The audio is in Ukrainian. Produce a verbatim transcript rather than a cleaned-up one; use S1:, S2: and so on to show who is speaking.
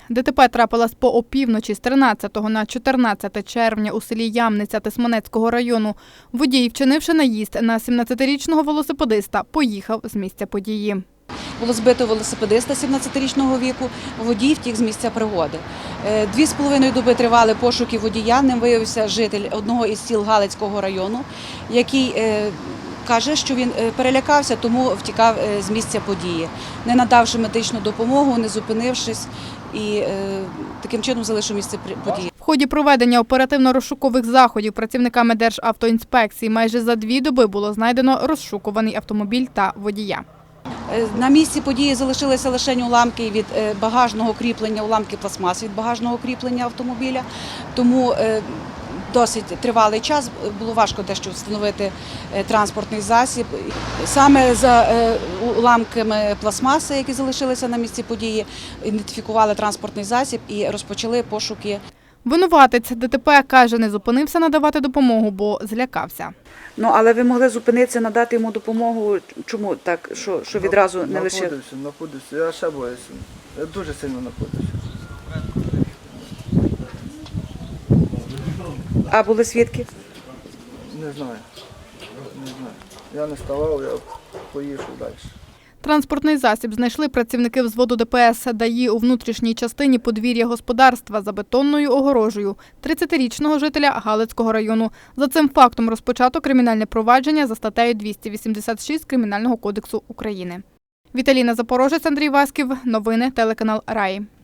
S1: ДТП трапилось по опівночі з тринадцятого на чотирнадцяте червня у селі Ямниця Тисменецького району. Водій, вчинивши наїзд на сімнадцятирічного велосипедиста, поїхав з місця події.
S2: Було збито велосипедиста сімнадцятирічного віку, водій втік з місця пригоди. Дві з половиною доби тривали пошуки водія, ним виявився житель одного із сіл Галицького району, який каже, що він перелякався, тому втікав з місця події, не надавши медичну допомогу, не зупинившись і таким чином залишив місце події.
S1: В ході проведення оперативно-розшукових заходів працівниками Державтоінспекції майже за дві доби було знайдено розшукуваний автомобіль та водія.
S2: На місці події залишилися лише уламки від багажного кріплення, уламки пластмас від багажного кріплення автомобіля, тому досить тривалий час, було важко дещо встановити транспортний засіб. Саме за уламками пластмаси, які залишилися на місці події, ідентифікували транспортний засіб і розпочали пошуки.
S1: Винуватець ДТП каже, не зупинився надавати допомогу, бо злякався.
S3: Ну, але ви могли зупинитися, надати йому допомогу. Чому так, що, що відразу не лише...
S4: Напудився, напудився, я ще боюся. Я дуже сильно напудився.
S3: А були свідки?
S4: Не знаю. Не знаю. Я не ставав, я поїхав далі.
S1: Транспортний засіб знайшли працівники взводу ДПС ДАІ у внутрішній частині подвір'я господарства за бетонною огорожею тридцятирічного жителя Галицького району. За цим фактом розпочато кримінальне провадження за статтею двісті вісімдесят шість Кримінального кодексу України. Віталіна Запорожець, Андрій Васьків. Новини телеканал Раї.